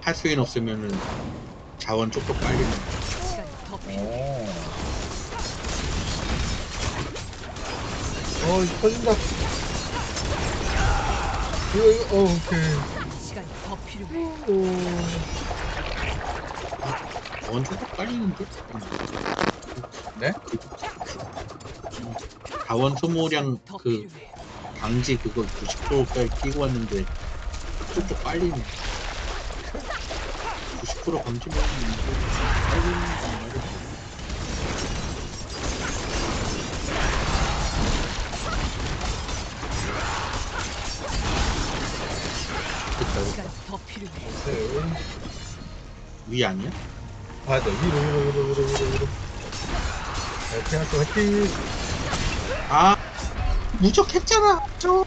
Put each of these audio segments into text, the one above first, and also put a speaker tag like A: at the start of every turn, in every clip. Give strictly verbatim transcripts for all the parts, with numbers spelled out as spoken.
A: 하수인 없으면은 자원 쪽쪽 빨리는.
B: 어. 어, 이거 터진다. 이거, 이거, 어, 오케이.
C: 시간이 더 필요해.
B: 오.
A: 자원 쪽쪽 빨리는데?
B: 네?
A: 자원 소모량
C: 더
A: 그
C: 필요해.
A: 방지 그거 구십 퍼센트까지 끼고 왔는데 쪽쪽 빨리네. 구십 퍼센트 방지면 빨리는 거 말이야. 됐다.
C: 시간이 더 필요해.
B: 네.
A: 위 아니야?
B: 봐야 돼. 위로, 위로, 위로, 위로, 위로, 위로. 화이팅 할거 화이팅!
A: 아 무적했잖아. 저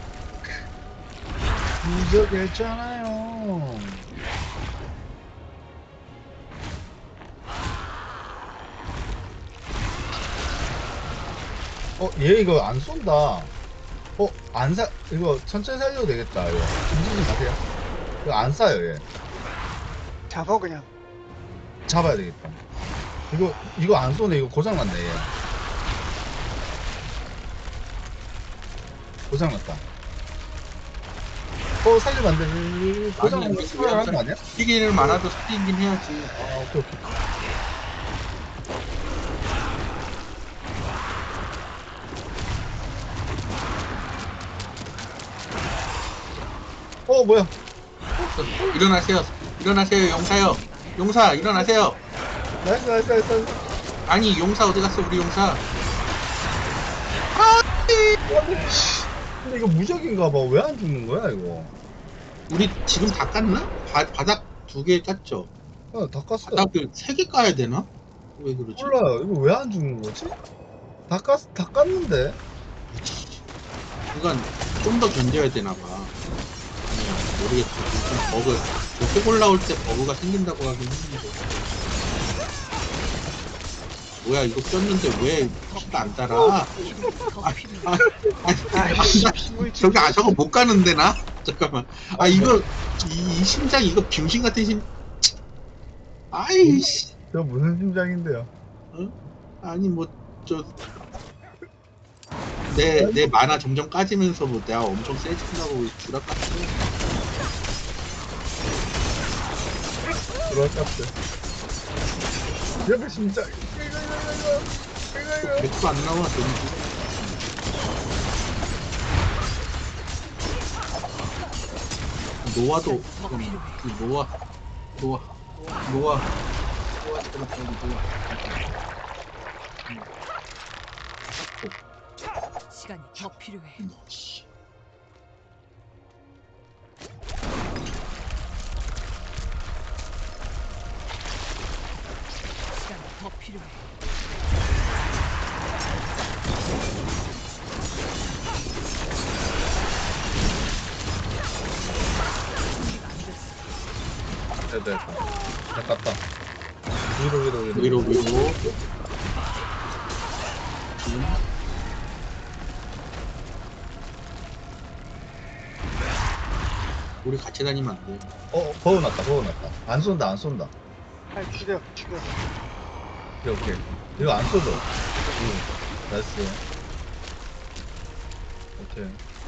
B: 무적했잖아요. 어, 얘 이거 안 쏜다. 어, 안 사, 이거 천천히 살려도 되겠다, 이거. 움직이지 마세요. 이거 안 쏴요, 얘.
D: 잡아 그냥.
B: 잡아야 되겠다. 이거, 이거 안 쏘네. 이거 고장났네, 얘. 고장났다. 어, 살리면 안 돼. 고장난 거
A: 아니,
B: 수발하는 거 아니야?
A: 시기를 많아도 살리긴 해야지.
B: 아, 오케이, 오케이. 어, 뭐야?
A: 일어나세요. 일어나세요. 용사요. 용사 일어나세요.
B: 나이스, 나이스, 나이스.
A: 아니 용사 어디 갔어 우리 용사.
B: 근데 이거 무적인가 봐. 왜 안 죽는 거야, 이거?
A: 우리 지금 다 깠나? 바, 바닥 두 개 깠죠.
B: 아, 다 깠어.
A: 바닥을 세 개 까야 되나? 왜 그러지?
B: 몰라요. 이거 왜 안 죽는 거지? 다 깠, 다 깠는데?
A: 이건 좀 더 견뎌야 되나 봐. 아니야 모르겠어. 좀 버그. 속 올라올 때 버그가 생긴다고 하긴 했는데. 뭐야 이거 꼈는데 왜 피가 안 따라?
C: 더
A: 아,
C: 필요해.
A: 아, 아니,
D: 아이씨,
A: 아니,
D: 힘을
A: 저기 아 저거 못 가는데 나? 잠깐만. 아 이거 이, 이 심장 이거 병신 같은 심. 아이씨.
B: 저 무슨 심장인데요?
A: 아니 뭐 저 내 내 만화 점점 까지면서 뭐 내가 엄청 세진다고 주락 같은
B: 들어왔다. 옆에 심장. 이거, 이거, 이거, 이거, 이거, 이거.
A: 백도 안 나와 데미지. 노아도 잠깐만 그 노아 노아 노아 노아 잠깐만 노아
C: 시간이 더 필요해.
A: 너 씨.
C: 시간이 더 필요해. 준비가 안 됐어.
B: 됐다, 됐다. 다 깠다. 위로, 위로, 위로.
A: 위로 위로 지금 우리 같이 다니면 안 돼.
B: 어, 버그 났다, 버그 났다. 안 쏜다, 안 쏜다.
D: 아, 죽여, 죽여.
B: 오케이, 오케이. 이거 안 쏘죠? 응. 나이스. 오케이.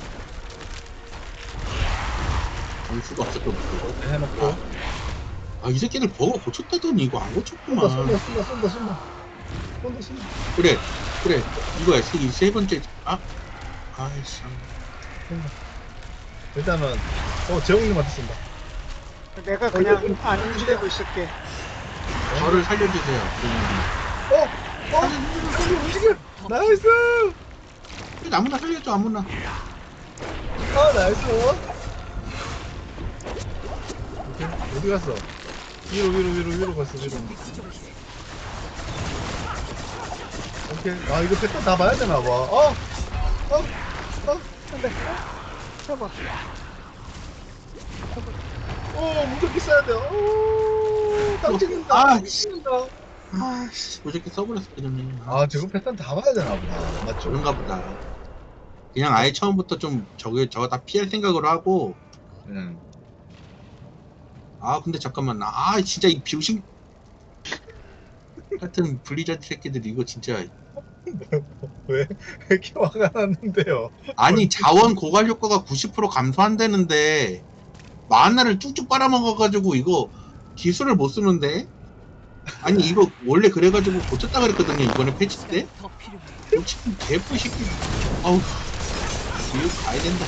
A: 볼 수가 없을 것 같아.
B: 이렇게 해놓고.
A: 아 이 새끼들 버거 고쳤다더니 이거 안
B: 쏜다,
A: 고쳤구만.
B: 쏜다, 쏜다, 쏜다, 쏜다. 쏜다, 쏜다.
A: 그래 그래 이거야 세, 세 번째. 아 아이씨
B: 쏜다. 일단은, 어, 재홍님한테 쏜다.
D: 내가 그냥 안 움직이고 있을게.
A: 저를 살려주세요.
B: 어! 어! 움직여, 움직여! 나이스!
A: 그냥 아무나 살려줘 아무나.
B: 아, 나이스! 오케이, 어디 갔어? 위로, 위로, 위로, 위로 갔어, 위로. 오케이. 아, 이거 패턴 다 봐야 되나봐. 어! 어! 어!
D: 안 돼. 잡아.
B: 오, 무조건 써야 돼요. 오, 딱 찍는다.
A: 아,
B: 딱 찍는다.
A: 아씨 무조건 써버렸어 그전에.
B: 아, 저거 패턴 다 봐야 되나 보다. 맞죠?
A: 그런가 보다. 그냥 아예 처음부터 좀 저게 저거 다 피할 생각으로 하고
B: 응.
A: 아 근데 잠깐만 아 진짜 이 병신 같은 블리자드 새끼들이 이거 진짜
B: 왜, 왜 이렇게 화가 났는데요?
A: 아니 자원 고갈 효과가 구십 퍼센트 감소한다는데 만화를 쭉쭉 빨아먹어가지고 이거 기술을 못 쓰는데 아니 이거 원래 그래가지고 고쳤다 그랬거든요 이번에 패치
C: 시간이
A: 때
C: 더 필요해.
A: 솔직히 개뿔 새끼 아우 이거 가야 된다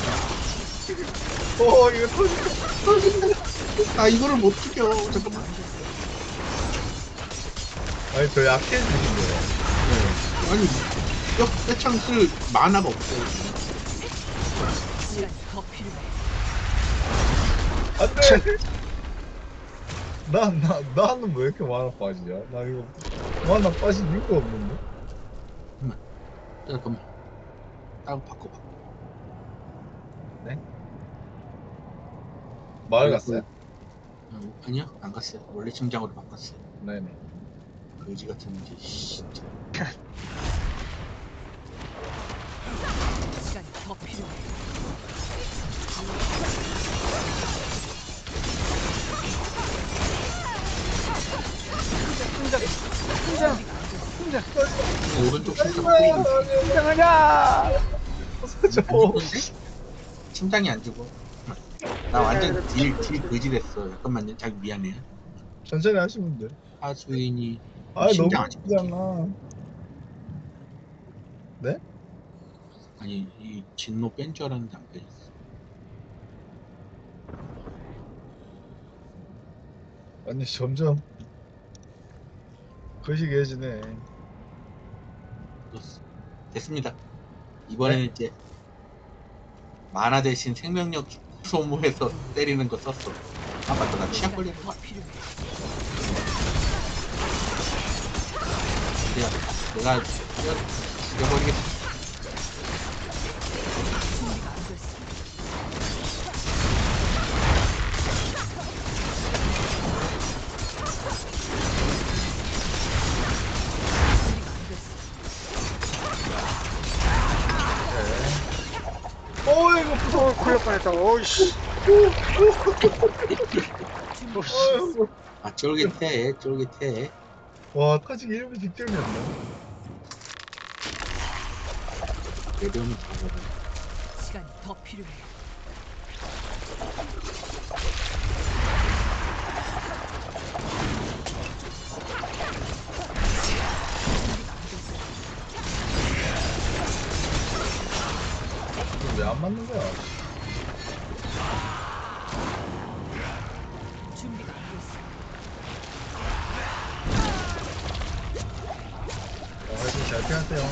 B: 어, 이거 터진다.
A: 아 이거를 못 죽여 잠깐만
B: 아니, 저 약해지는데요.
A: 네. 아니 뼈, 뼈창 쓸 만화가 없어요
C: 시간이 더 필요해.
B: 안 돼! 나, 나, 나는 왜 이렇게 만화 빠지냐? 나 이거 만화 빠질 이유가 없는데?
A: 잠깐만 따로 바꿔봐
B: 마을
A: 그,
B: 갔어요?
A: 어, 아니요 안 갔어요 원래 심장으로 바꿨어요
B: 네네.
A: 거지 같은 게 진짜
C: 시간이 더 필요해.
D: 심장, 심장, 심장,
A: 오른쪽 심장
B: 아이고,
A: 뿌리고
D: 심장하냐!
B: 저,
A: 안 죽었는데? 심장이 안 죽어 나 완전 딜, 딜 거지 됐어 잠깐만요 자기 미안해요
B: 천천히 하시면 돼.
A: 하수인이
B: 아, 너무
A: 심장 안 죽지
B: 힘들잖아. 네?
A: 아니 이 진노 뺀 줄 알았는데 안 빼졌어
B: 아니, 점점 거시기해지네.
A: 넣었어. 됐습니다 이번에는 이제 만화 대신 생명력 소모해서 때리는 거 썼어 아 맞다 나 치약
C: 시간이
A: 걸리는
C: 더
A: 거
C: 필요해.
A: 내가 내가 죽여, 죽여버리겠어
C: 준비가 안 됐어. 준비가 안 됐어.
B: 네. 어, 이거 무서워.
D: 어, 걸릴 뻔했다. 어이씨.
B: 어이구.
A: 아 쫄깃해 쫄깃해
B: 와, 터지기 일 분 직전이었네.
A: 내려오면 잡아봐
C: 시간이 더 필요해.
B: 왜 안 맞는 거야?
C: 준비가 안 됐어.
B: 어, 하여튼 잘 피하세요.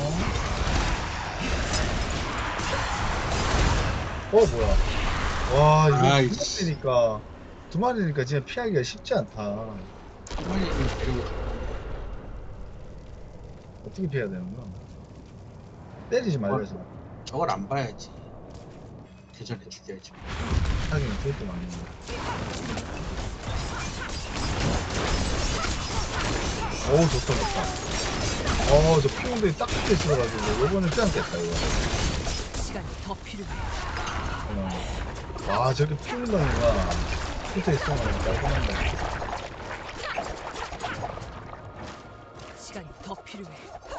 B: 어, 뭐야. 와, 이거 두
A: 아이씨.
B: 마리니까, 두 마리니까 진짜 피하기가 쉽지 않다.
A: 빨리 좀 데리고
B: 어떻게 피해야 되는 거야? 때리지 말려서.
A: 저걸 안 봐야지 대전에 죽여야지
B: 하긴 그것도 맞는 거야. 어우, 좋다, 좋다. 어, 저 피운들이 딱 붙어 있어가지고, 요번에 피안겠다, 이거.
C: 시간이 더 필요해.
B: 어. 아, 저렇게 피운덩이가 붙어 있으면 깔끔한다.
C: 시간이 더 필요해.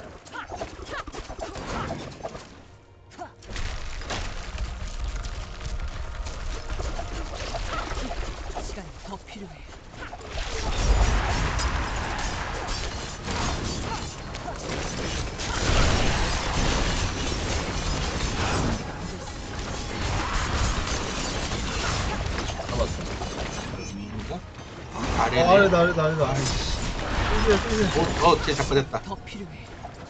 C: 시간이 더 필요해.
B: 잡았어.
A: 위인가?
B: 아,
A: 아래네
B: 아래다, 아래다, 아래다. 삐지야, 삐지야.
A: 어, 어, 쟤 잡고 됐다
C: 더 필요해.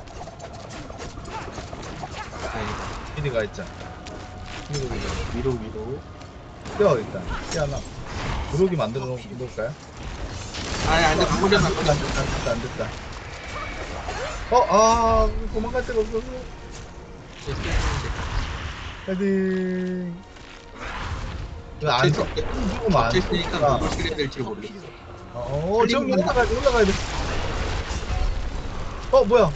A: 다행이다
B: 미리가 있잖아. 위로, 위로.
A: 위로 위로
B: 뛰어, 일단. 뛰어나. 구르기 만들어 놓- 놓을까요?
A: 아니 안돼 방금 전에
B: 안 됐다, 안 됐다, 안 됐다, 안 됐다. 어, 아, 도망갈 데가 없어서. 헤딩. 왜안 써? 죽으면 안
A: 겹쳐있으니까
B: 쏘니까.
A: 누굴 쓰게 될지
C: 더
A: 모르겠어
C: 필요해.
B: 어, 저기 올라가야 돼, 올라가야 돼. 어, 뭐야?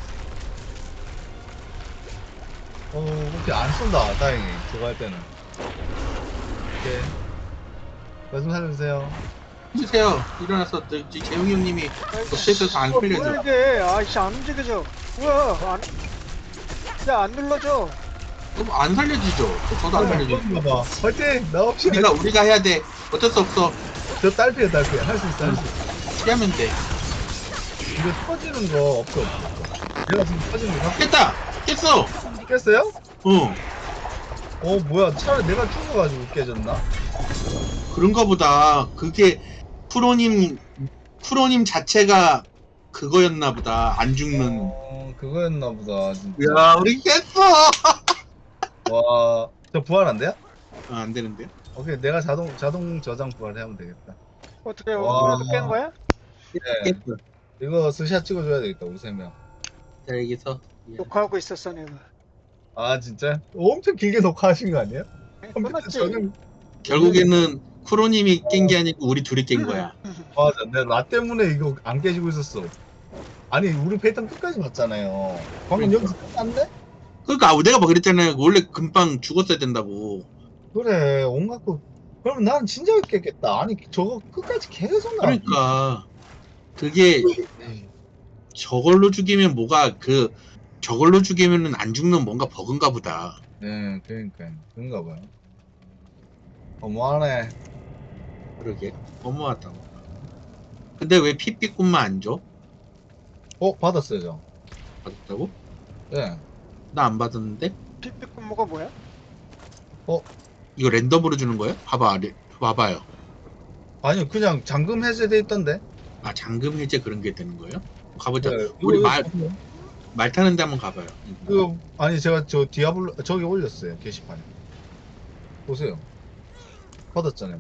B: 어, 오케이, 안 쏜다, 다행히. 저거 할 때는. 오케이. 말씀 살려주세요.
A: 주세요. 일어나서 저, 저 재용이 형님이 덕체에서 안
D: 어,
A: 풀려줘.
D: 뭐야 이게? 아이씨 안 움직여져. 뭐야? 안, 야안 눌러져.
A: 그럼 안 살려지죠. 저도 안 살려지죠.
B: 봐봐. 화이팅! 나 없이.
A: 우리가 우리가 해야 돼. 어쩔 수 없어.
B: 저 딸피야, 딸피. 할 수 있어, 할 수 있어.
A: 피하면 돼.
B: 이거 터지는 거 없어, 없어. 내가 지금 터지는 거
A: 깼다. 깼어.
B: 깼어요?
A: 어.
B: 어, 뭐야. 차라리 내가 죽어가지고 깨졌나?
A: 그런가 보다. 그게 프로님 프로님 자체가 그거였나 보다. 안 죽는.
B: 어, 그거였나 보다, 진짜.
A: 야, 우리 깼어.
B: 와, 저 부활 안 돼요?
A: 아, 안 되는데.
B: 오케이, 내가 자동, 자동 저장 부활하면 되겠다.
D: 어떻게
B: 와.
D: 우리도 깬 거야?
B: 네.
A: 깼어.
B: 이거 스샷 찍어줘야 되겠다, 우리 세 명.
A: 자, 여기서. 예.
D: 녹화하고 있었어 내가.
B: 아, 진짜? 엄청 길게 녹화하신 거 아니에요? 컴퓨터
D: 끝났지.
B: 저는,
A: 결국에는 프로님이 깬 게 아니고 우리 둘이 깬 거야.
B: 맞아. 내가 나 때문에 이거 안 깨지고 있었어. 아니, 우리 패턴 끝까지 봤잖아요. 방금
A: 그러니까.
B: 여기서 끝났네?
A: 그러니까 내가 뭐 그랬잖아요. 원래 금방 죽었어야 된다고.
B: 그래, 온갖 거. 그럼 난 진짜 깼겠다. 아니, 저거 끝까지 계속 나.
A: 그러니까 그게 저걸로 죽이면 뭐가 그 저걸로 죽이면은 안 죽는 뭔가 버그인가 보다.
B: 네, 그러니까. 그런가 봐요. 어머하네.
A: 그러게 너무하다. 근데 왜 피피꾼만 안 줘?
B: 어, 받았어요, 저.
A: 받았다고?
B: 네.
A: 나 안 받았는데?
D: 삐삐꾼모가 뭐야?
A: 이거 랜덤으로 주는 거예요? 봐봐, 레, 봐봐요.
B: 아니요, 그냥 잠금 해제돼 있던데.
A: 아 잠금 해제 그런 게 되는 거예요? 가보자.
B: 네,
A: 우리
B: 이거-
A: 말 말 타는데 한번 가봐요.
B: 그 아니 제가 저 디아블로 저기 올렸어요 게시판에. 보세요. 받았잖아요.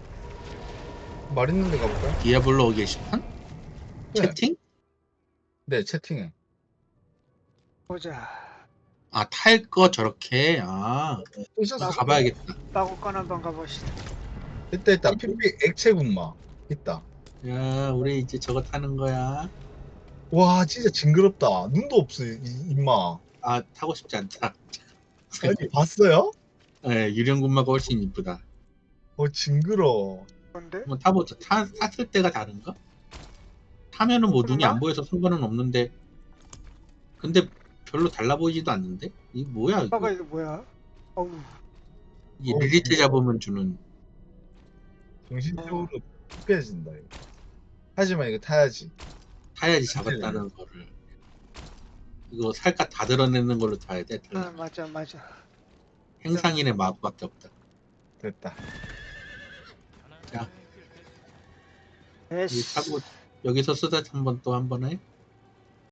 B: 말 있는데 가볼까요?
A: 디아블로 게시판?
B: 네.
A: 채팅?
B: 네, 채팅에.
D: 보자.
A: 아 탈 거 저렇게 아
B: 있었어.
A: 가봐야겠다.
D: 따고 건 한번 가봅시다.
B: 있다 있다. 피피 액체 군마 있다.
A: 야 우리 이제 저거 타는 거야.
B: 와 진짜 징그럽다. 눈도 없어 이, 임마.
A: 아 타고 싶지 않다.
B: 아니 봤어요?
A: 네, 유령군마가 훨씬 이쁘다.
B: 어 징그러.
D: 근데
A: 한번 타보자. 타, 탔을 때가 다른가? 타면은 뭐 눈이
D: 그런가?
A: 안 보여서 상관은 없는데 근데 별로 달라 보이지도 않는데? 이게 뭐야 이거?
D: 아빠가 이거 뭐야? 어우.
A: 이게
B: 어,
A: 릴리트 잡으면 주는
B: 정신적으로 피폐해진다 이거. 하지만 이거 타야지.
A: 타야지 잡았다는 거를 이거 살갗 다 드러내는 걸로 타야 돼.
D: 아 맞아 맞아.
A: 행상인의 마법밖에 없다.
B: 됐다.
A: 자, 이
D: 에이씨.
A: 타고 여기서 쓰다 한번 또 한 번 해.